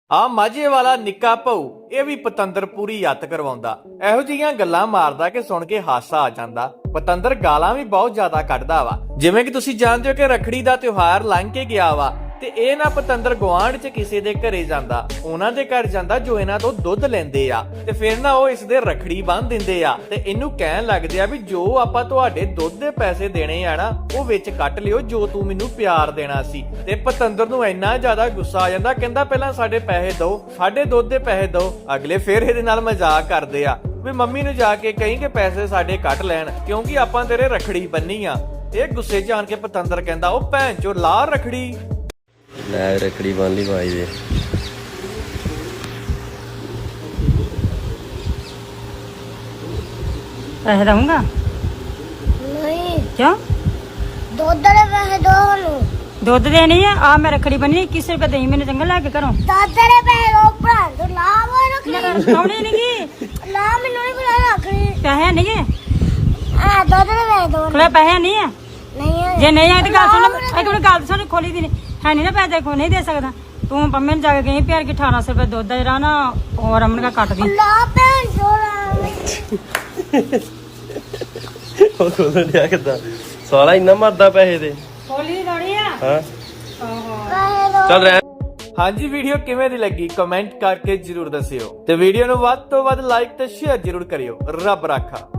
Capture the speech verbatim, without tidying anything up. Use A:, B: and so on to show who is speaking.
A: ਆ ਮਾਝੇ ਵਾਲਾ ਨਿੱਕਾ ਭਾਊ ਇਹ ਵੀ ਪਤੰਦਰ ਪੂਰੀ ਯੱਤ ਕਰਵਾਉਂਦਾ। ਇਹੋ ਜਿਹੀਆਂ ਗੱਲਾਂ ਮਾਰਦਾ ਕਿ ਸੁਣ ਕੇ ਹਾਸਾ ਆ ਜਾਂਦਾ। ਪਤੰਦਰ ਗਾਲਾਂ ਵੀ ਬਹੁਤ ਜ਼ਿਆਦਾ ਕੱਢਦਾ ਵਾ। ਜਿਵੇਂ ਕਿ ਤੁਸੀਂ ਜਾਣਦੇ ਹੋ ਕਿ ਰੱਖੜੀ ਦਾ ਤਿਉਹਾਰ ਲੰਘ ਕੇ ਗਿਆ ਵਾ ਤੇ ਇਹ ਨਾ ਪਤੰਦਰ ਗੁਆਂਢ ਚ ਕਿਸੇ ਦੇ ਘਰੇ ਜਾਂਦਾ, ਉਹਨਾਂ ਦੇ ਘਰ ਜਾਂਦਾ ਜੋ ਇਹਨਾਂ ਤੋਂ ਦੁੱਧ ਲੈਂਦੇ ਆ ਤੇ ਫਿਰ ਨਾ ਉਹ ਇਸ ਦੇ ਰੱਖੜੀ ਬੰਨ ਦਿੰਦੇ ਆ ਤੇ ਇਹਨੂੰ ਕਹਿਣ ਲੱਗਦੇ ਆ ਵੀ ਜੋ ਆਪਾਂ ਤੁਹਾਡੇ ਦੁੱਧ ਦੇ ਪੈਸੇ ਦੇਣੇ ਆ ਨਾ ਉਹ ਵਿੱਚ ਕੱਟ ਲਿਓ ਜੋ ਤੂੰ ਮੈਨੂੰ ਪਿਆਰ ਦੇਣਾ ਸੀ। ਤੇ ਪਤੰਦਰ ਨੂੰ ਇੰਨਾ ਜ਼ਿਆਦਾ ਗੁੱਸਾ ਆ ਜਾਂਦਾ, ਕਹਿੰਦਾ ਪਹਿਲਾਂ ਸਾਡੇ ਪੈਸੇ ਦਿਓ, ਸਾਡੇ ਦੁੱਧ ਦੇ ਪੈਸੇ ਦਿਓ। ਅਗਲੇ ਫਿਰ ਇਹਦੇ ਨਾਲ ਮਜ਼ਾਕ ਕਰਦੇ ਆ ਵੀ ਮੰਮੀ ਨੂੰ ਜਾ ਕੇ ਕਹੀਂ ਕਿ ਪੈਸੇ ਸਾਡੇ ਕੱਟ ਲੈਣ ਕਿਉਂਕਿ ਆਪਾਂ ਤੇਰੇ ਰੱਖੜੀ ਬੰਨੀ ਆ। ਇਹ ਗੁੱਸੇ ਚ ਆਣ ਕੇ ਪਤੰਦਰ ਕਹਿੰਦਾ ਉਹ ਭੈਣ ਚੋ ਲਾ ਰੱਖੜੀ।
B: ਲੈ ਰੱਖੜੀ ਬੰਨ ਲਈ ਭਾਈ ਦੇ।
C: ਪੈਸੇ ਦਊਂਗਾ
D: ਨਹੀਂ
C: ਕਿਉਂ?
D: ਦੁੱਧ ਦੇ ਪੈਸੇ ਦੋ ਨੂੰ
C: ਦੁੱਧ ਦੇਣੀ ਆ। ਆ ਮੈਂ ਰੱਖੜੀ ਬੰਨੀ ਕਿਸੇ ਰੁਪਏ ਦੇਈ ਮੈਨੂੰ ਚੰਗਾ ਲੈ ਕੇ ਘਰੋਂ।
D: ਦੁੱਧ ਦੇ ਪੈਸੇ ਦੋ ਭਰਾ ਤੂੰ ਲਾ ਵਾ ਰੱਖਣੀ
C: ਕੌਣੀ ਨੀ
D: ਲਾ ਮੈਨੂੰ ਨਹੀਂ ਬੁਲਾ ਰੱਖਣੀ
C: ਪੈਸੇ ਨਹੀਂ ਗੇ
D: ਆ ਦੁੱਧ ਦੇ ਪੈਸੇ ਦੋ
C: ਕੋਲੇ ਪੈਸੇ ਨਹੀਂ ਆ।
D: ਨਹੀਂ ਹੈ
C: ਜੇ ਨਹੀਂ ਆ ਤੇ ਗੱਲ ਸੁਣ, ਇਹ ਕੋਲੇ ਗੱਲ ਸੁਣ ਖੋਲੀ ਦੀ ਹੈ ਨਹੀਂ ਨਾ ਪੈਸੇ ਕੋ ਨਹੀਂ ਦੇ ਸਕਦਾ ਤੂੰ। ਪੰਮੇ ਨੂੰ ਜਾ ਕੇ ਗਈ ਪਿਆਰ ਕਿ ਅਠਾਰਾਂ ਸੌ ਰੁਪਏ ਦੁੱਧ ਦਾ ਜਿਹੜਾ ਨਾ ਉਹ ਰਮਨ ਦਾ ਕੱਟ ਦੀ।
D: ਲਾ ਭੈਣ ਚੋਰਾ
B: ਉਹ ਕੋਲ ਲਿਆ ਕਿੱਦਾਂ ਸਾਲਾ ਇੰਨਾ ਮਰਦਾ ਪੈਸੇ ਦੇ।
C: ਖੋਲੀ ਦੀ ਲੋੜੀ ਆ।
B: ਹਾਂ
D: ਪੈਸੇ ਦੋ
B: ਚੱਲ ਰਹਿ।
A: ਹਾਂਜੀ, ਵੀਡੀਓ ਕਿਵੇਂ ਦੀ ਲੱਗੀ ਕਮੈਂਟ ਕਰਕੇ ਜਰੂਰ ਦੱਸਿਓ ਤੇ ਵੀਡੀਓ ਨੂੰ ਵੱਧ ਤੋਂ ਵੱਧ ਲਾਈਕ ਤੇ ਸ਼ੇਅਰ ਜਰੂਰ ਕਰਿਓ। ਰੱਬ ਰਾਖਾ।